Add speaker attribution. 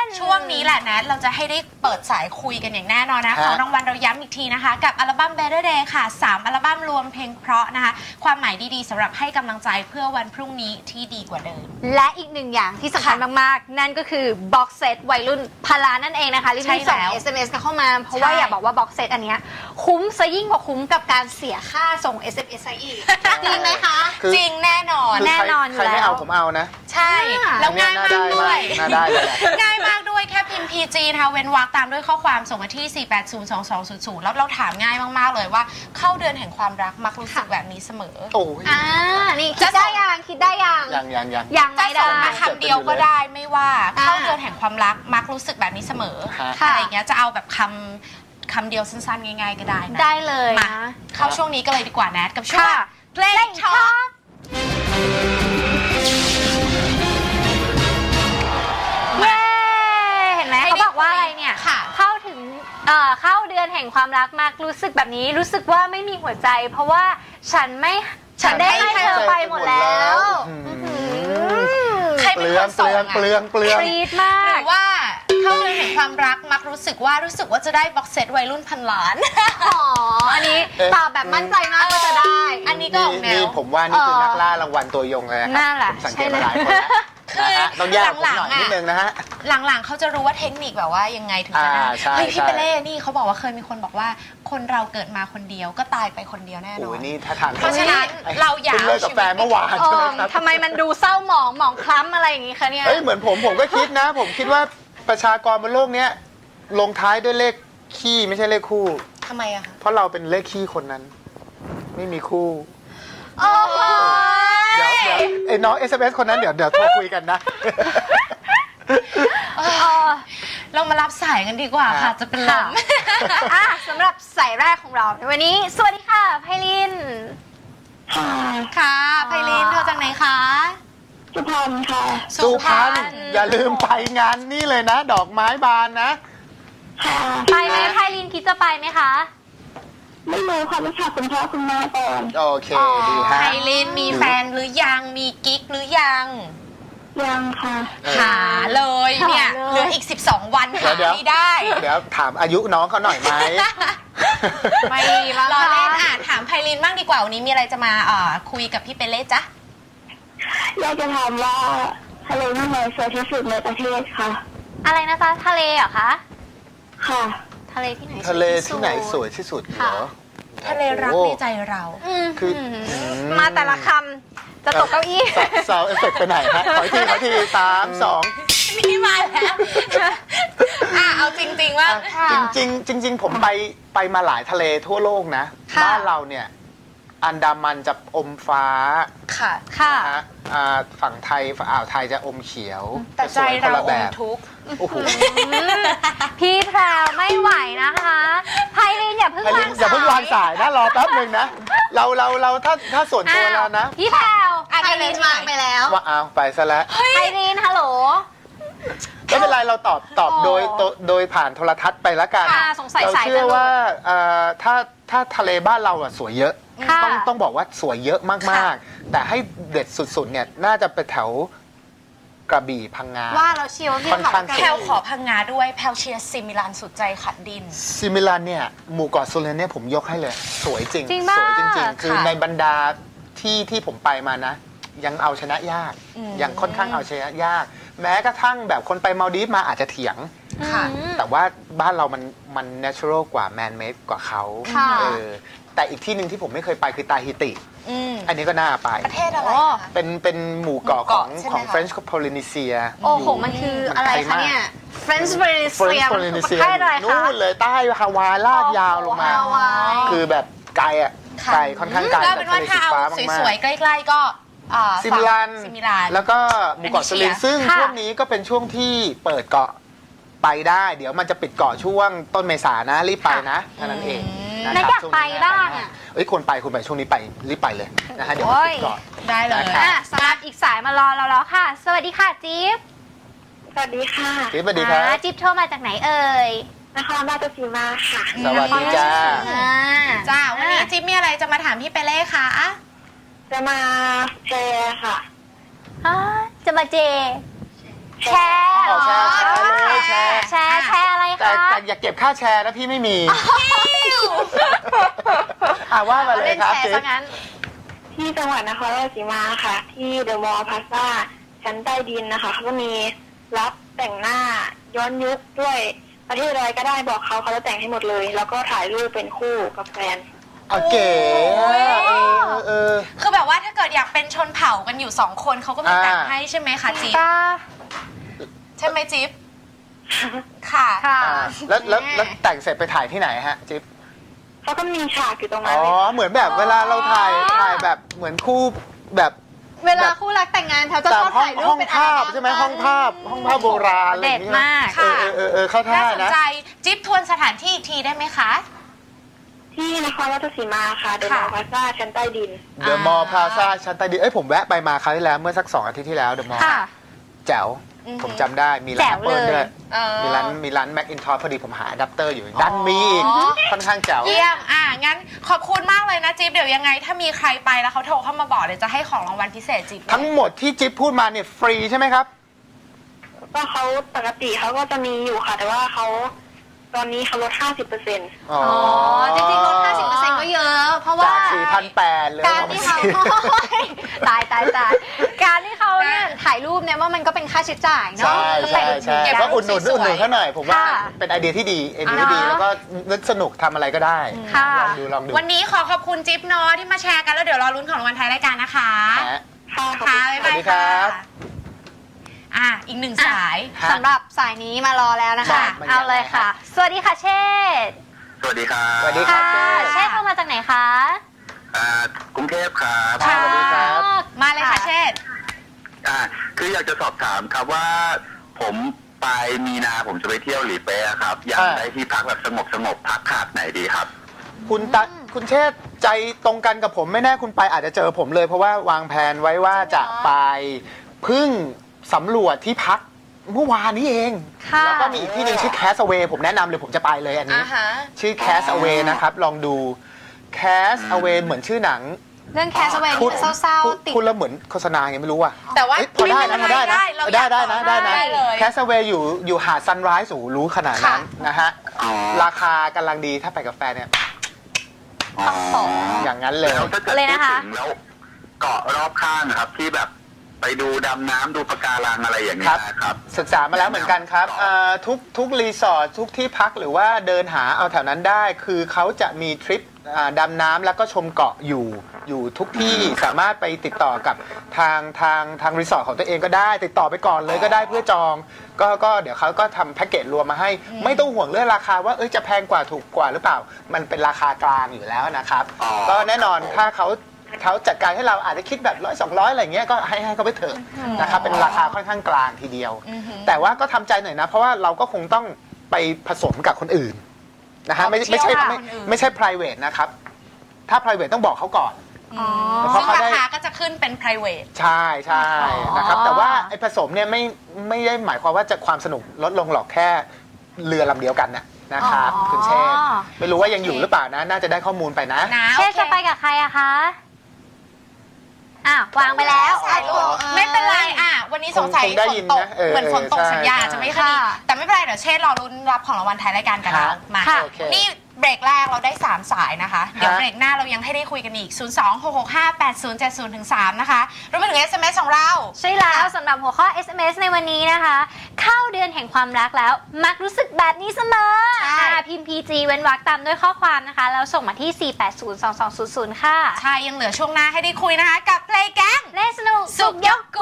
Speaker 1: ช่วงนี้แหละนะเราจะให้ได้เปิดสายคุยกันอย่างแน่นอนนะของรางวัลเราย้ำอีกทีนะคะกับอัลบั้ม Better Day ค่ะ3อัลบั้มรวมเพลงเพราะนะคะความหมายดีๆสำหรับให้กำลังใจเพื่อวันพรุ่งนี้ที่ดีกว่าเดิมและอีกหนึ่งอย่างที่สำคัญมากๆนั่นก็คือบ็อกเซตวัยรุ่นพลานั่นเองนะคะรีบส่ง SMS กันเข้ามาเพราะว่าอยากบอกว่าบ็อกเซตอันนี้คุ้มซะยิ่งกว่าคุ้มกับการเสียค่าส่ง SMS อีกจริงไหมคะจริงแน่นอนแน่นอนอยู่แล้วใครไม่เอาผมเอานะใช่แล้วง่ายมากด้วยง่ายมากด้วยแค่พิมพ์ PG นะคะเว้นวรรคตามด้วยข้อความส่งมาที่ 4802200 แล้วเราถามง่ายมากๆเลยว่าเข้าเดือนแห่งความรักมักรู้สึกแบบนี้เสมอโอ้ยนี่คิดได้ยังไม่ได้คำเดียวก็ได้ไม่ว่าเข้าเดือนแห่งความรักมักรู้สึกแบบนี้เสมออะไรอย่างเงี้ยจะเอาแบบคำเดียวสั้นๆง่ายๆก็ได้นะได้เลยมาเข้าช่วงนี้ก็เลยดีกว่าแนทกับช่วงเพลงช็อคเห็นไหมเขาบอกว่าอะไรเนี่ยเข้าถึงเข้าเดือนแห่งความรักมากรู้สึกแบบนี้รู้สึกว่าไม่มีหัวใจเพราะว่าฉันได้ให้เธอไปหมดแล้วใครเป็นคนส่งเปลืองรีดมากหรือว่าเข้าเดือนแห่งความรักมักรู้สึกว่าจะได้บ็อกเซตวัยรุ่นพันล้านอ๋ออันนี้ตอบแบบมั่นใจมากว่าจะได้อันนี้ก็นี่ผมว่านี่คือนักล่ารางวัลตัวยงเลยนะครับสังเกตมาหลายคนแล้วต้องแยกผมหน่อยนิดนึงนะฮะหลังๆเขาจะรู้ว่าเทคนิคแบบว่ายังไงถึงจะได้เฮ้ยพี่เปเล่นี่เขาบอกว่าเคยมีคนบอกว่าคนเราเกิดมาคนเดียวก็ตายไปคนเดียวแน่นอนนี่ถ้าทางเพราะฉะนั้นเราอยากเลิกกับแฟนเมื่อวานใช่ไหมครับทำไมมันดูเศร้าหมองคล้ำอะไรอย่างงี้คะเนี่ยเฮ้ยเหมือนผมก็คิดนะผมคิดว่าประชากรบนโลกนี้ลงท้ายด้วยเลขขี้ไม่ใช่เลขคู่ทำไมอะคะเพราะเราเป็นเลขขี้คนนั้นไม่มีคู่เดี๋ยวไอ้น้อง SMS คนนั้นเดี๋ยวโทรคุยกันนะเรามารับสายกันดีกว่าค่ะจะเป็นลมสำหรับสายแรกของเราในวันนี้สวัสดีค่ะไพลินค่ะไพลินเธอจากไหนคะสุพรรณค่ะสุพรรณอย่าลืมไปงานนี่เลยนะดอกไม้บานนะไปไหมไพลินคิดจะไปไหมคะไม่รู้ค่ะรู้จักคุณพ่อคุณแม่ก่อนโอเคดีฮะไพลินมีแฟนหรือยังมีกิ๊กหรือยังค่ะหาเลยเนี่ยเหลืออีก12 วันหาไม่ได้เดี๋ยวถามอายุน้องเขาหน่อยไหมไม่รอเล่นถามไพลินบ้างดีกว่าวันนี้มีอะไรจะมาคุยกับพี่เปเล่จ๊ะอยากจะถามว่าทะเลที่ไหนสวยที่สุดในประเทศคะอะไรนะจ๊ะทะเลเหรอคะค่ะทะเลที่ไหนสวยที่สุดเหรอทะเลรักในใจเราคือมาแต่ละคำจะตกเก้าอี้สาวเอฟเฟกต์ไปไหนฮะขอที3 2นี่มาแล้วเอาจริงๆว่าจริงผมไปมาหลายทะเลทั่วโลกนะบ้านเราเนี่ยอันดามันจะอมฟ้าค่ะฝั่งไทยฝั่งอ่าวไทยจะอมเขียวแต่ใจเราอมทุกข์พี่แพรวไม่ไหวนะคะไพลินอย่าเพิ่งวางสายนะรอแป๊บนึงนะเราถ้าส่วนตัวเรานะพี่แพรวไพลินวางไปแล้วว่าเอาไปซะแล้วไพลินฮัลโหลไม่เป็นไรเราตอบโดยผ่านโทรทัศน์ไปแล้วกันเราเชื่อว่าถ้าทะเลบ้านเราอะสวยเยอะต้องบอกว่าสวยเยอะมากๆแต่ให้เด็ดสุดๆเนี่ยน่าจะไปแถวกระบี่พังงาว่าเราเชียร์ว่าพี่แพลขอพังงาด้วยแพลเชียร์ซิมิลานสุดใจขัดดินซิมิลานเนี่ยหมู่เกาะโซเลนเนี่ยผมยกให้เลยสวยจริงสวยจริงๆคือในบรรดาที่ผมไปมานะยังเอาชนะยากยังค่อนข้างเอาชนะยากแม้กระทั่งแบบคนไปมาลดีฟมาอาจจะเถียงแต่ว่าบ้านเรามัน natural กว่า man made กว่าเขาแต่อีกที่หนึ่งที่ผมไม่เคยไปคือตาฮิติอันนี้ก็น่าไปประเทศอะไรเป็นหมู่เกาะของ French Polynesia โอ้โหมันคืออะไรคะเนี่ย French Polynesia นู่นเลยใต้ฮาวายลากยาวลงมาคือแบบไกลอ่ะไกลค่อนข้างไกลก็เป็นว่าถ้าเอาสวยๆใกล้ๆก็ซิมิลานแล้วก็หมู่เกาะโซเลนซึ่งช่วงนี้ก็เป็นช่วงที่เปิดเกาะไปได้เดี๋ยวมันจะปิดเกาะช่วงต้นเมษายนนะรีบไปนะเท่านั้นเองนะอยากไปบ้างอ่ะควรไปช่วงนี้ไปรีบไปเลยนะฮะเดี๋ยวปิดเกาะได้เลยสำหรับอีกสายมารอเราแล้วค่ะสวัสดีค่ะจิ๊บสวัสดีค่ะจิ๊บสวัสดีค่ะจิ๊บโทรมาจากไหนเอ่ยนครราชสีมาค่ะสวัสดีจ้าวันนี้จิ๊บมีอะไรจะมาถามพี่เปเล่คะจะมาแชร์ค่ะจะมาแชร์
Speaker 2: อย่าเก็บค่าแชร์นะพี่ไม่มีว่ามาเลยครับจิ๊บ
Speaker 3: ที่จังหวัดนครราชสีมาค่ะที่เดอะมอลล์พลาซ่าชั้นใต้ดินนะคะเขาก็มีรับแต่งหน้าย้อนยุคด้วยประเทศอะไรก็ได้บอกเขาจะแต่งให้หมดเลยแล้วก็ถ่ายรูปเป็นคู่กับแฟน
Speaker 2: เก๋
Speaker 1: คือแบบว่าถ้าเกิดอยากเป็นชนเผ่ากันอยู่2 คนเขาก็มีแต่งให้ใช่ไหมคะจิ๊บใช่ไหมจิ๊บค่ะ
Speaker 2: แล้วแต่งเสร็จไปถ่ายที่ไหนฮะจิ๊บ
Speaker 3: เขาก็มีฉากอยู่ตรงนั้น
Speaker 2: เหมือนแบบเวลาเราถ่ายแบบเหมือนคู่แบบ
Speaker 1: เวลาคู่รักแต่งงานเขาจะชอบถ่ายรูปเป็น
Speaker 2: ภาพใช่ไหมห้องภาพโบราณ
Speaker 1: เด็ดมาก
Speaker 2: เข้าท่านะน่า
Speaker 1: สนใจจิ๊บทวนสถานที่อีกทีได้ไหมคะ
Speaker 3: ที่นครราชสีมาค่ะเดอะมอลล์พลาซ่าชั้นใต้ดิน
Speaker 2: เดอะมอลล์พลาซ่าชั้นใต้ดินผมแวะไปมาครั้งที่แล้วเมื่อสัก2 อาทิตย์ที่แล้วเดอะมอลล์แจ๋วผมจำได้มีร้านแอปเปิลด้วยมีร้านแม็กอินทอร์พอดีผมหาอะแดปเตอร์อยู่ดันมีอีกค่อนข้างแจ๋ว
Speaker 1: เยี่ยมงั้นขอบคุณมากเลยนะจิ๊บเดี๋ยวยังไงถ้ามีใครไปแล้วเขาโทรเข้ามาบอกเดี๋ยวจะให้ของรางวัลพิเศษจิ๊บ
Speaker 2: ทั้งหมดที่จิ๊บพูดมาเนี่ยฟรีใช่ไหมครับ
Speaker 3: ก็เขาปกติเขาก็จะมีอยู่ค่ะแต่ว่าตอนนี้เขาลด 50%
Speaker 1: จริงๆลด 50% ก็เยอะเพราะว่า
Speaker 2: จาก 4,800 เลย
Speaker 1: การที่เขาตายการที่เขาเนี่ยถ่ายรูปเนี่ยว่ามันก็เป็นค่าใช้จ่ายเนาะ
Speaker 2: ใช่ก็อุดหนุนเขาหน่อยผมว่าเป็นไอเดียที่ดีแล้วก็นึกสนุกทำอะไรก็ได้ลองดู
Speaker 1: วันนี้ขอบคุณจิ๊บเนาะที่มาแชร์กันแล้วเดี๋ยวรอลุ้นของรางวัลท้ายรายการนะคะ
Speaker 3: ค่ะ
Speaker 1: บ๊ายบายค่ะอีก1 สายสำหรับสายนี้มารอแล้วนะคะเอาเลยค่ะสวัสดีค่ะเชษ
Speaker 4: สวัสดีครับ
Speaker 2: สวัสดีค่ะ
Speaker 1: เชษเข้ามาจากไหนคะ
Speaker 4: กรุงเทพครับ
Speaker 2: สวัสดีครับ
Speaker 1: มาเลยค่ะเชษ
Speaker 4: คืออยากจะสอบถามครับว่าผมปลายมีนาผมจะไปเที่ยวหลีเป๊ะครับอยากได้ที่พักแบบสงบพักขาดไหนดีครับ
Speaker 2: คุณเชษใจตรงกันกับผมไม่แน่คุณไปอาจจะเจอผมเลยเพราะว่าวางแผนไว้ว่าจะไปพึ่งสำรวจที่พักเมื่อวานนี้เองแล้วก็มีอีกที่หนึ่งชื่อ Castaway ผมแนะนำเลยผมจะไปเลยอันนี้ชื่อ Castaway นะครับลองดู Castaway เหมือนชื่อหนัง
Speaker 1: เรื่อง Castaway ที่เศร้าๆติด
Speaker 2: คุณแล้วเหมือนโฆษณาไงไม่รู้อ่ะ
Speaker 1: แต่ว่า
Speaker 2: พอได้นะCastaway อยู่หาดซันไรส์รู้ขนาดนั้นนะฮะราคากำลังดีถ้าไปกับแฟนเนี่ยอย่างนั้นเลย
Speaker 1: นะคะ
Speaker 4: แล้วเกาะรอบข้างครับที่แบบไปดูดำน้ำดูปะการังอะไรอย่างนี้นะครับ
Speaker 2: ศึกษามาแล้วเหมือนกันครับทุกรีสอร์ททุกที่พักหรือว่าเดินหาเอาแถวนั้นได้คือเขาจะมีทริปดำน้ำแล้วก็ชมเกาะอยู่ทุกที่สามารถไปติดต่อกับทางรีสอร์ทของตัวเองก็ได้ติดต่อไปก่อนเลยก็ได้เพื่อจองก็เดี๋ยวเขาก็ทำแพ็กเกจรวมมาให้ไม่ต้องห่วงเรื่องราคาว่าจะแพงกว่าถูกกว่าหรือเปล่ามันเป็นราคากลางอยู่แล้วนะครับก็แน่นอนถ้าเขาจัดการให้เราอาจจะคิดแบบ100-200อะไรเงี้ยก็ให้เขาไปเถอะนะครับเป็นราคาค่อนข้างกลางทีเดียวแต่ว่าก็ทำใจหน่อยนะเพราะว่าเราก็คงต้องไปผสมกับคนอื่นนะฮะไม่ใช่ private นะครับถ้า private ต้องบอกเขาก่อน
Speaker 1: ซึ่งราคาก็จะขึ้นเป็น private
Speaker 2: ใช่นะครับแต่ว่าไอ้ผสมเนี่ยไม่ได้หมายความว่าจะความสนุกลดลงหรอกแค่เรือลำเดียวกันนะครับคุณเชษไม่รู้ว่ายังอยู่หรือเปล่านะน่าจะได้ข้อมูลไปนะ
Speaker 1: เชษจะไปกับใครอะคะวางไปแล้วไม่เป็นไรวันนี้สงสัยฝนตกเหมือนฝนตกสัญญาจะไม่ค่อยดีแต่ไม่เป็นไรเดี๋ยวเชษรอรุ้นรับของรางวัลท้ายรายการกันแล้วมานี่เบรกแรกเราได้3 สายนะคะเดี๋ยวเบรกหน้าเรายังให้ได้คุยกันอีก 026658070-3 นะคะรวมไปถึง SMS ของเราใช่แล้วสำหรับหัวข้อ SMS ในวันนี้นะคะเข้าเดือนแห่งความรักแล้วมักรู้สึกแบบนี้เสมอพิมพ์ PG เว้นวรรคตามด้วยข้อความนะคะแล้วส่งมาที่ 4802200 ค่ะใช่ยังเหลือช่วงหน้าให้ได้คุยนะคะกับเพลงแก๊งเล่นสนุกสุขยก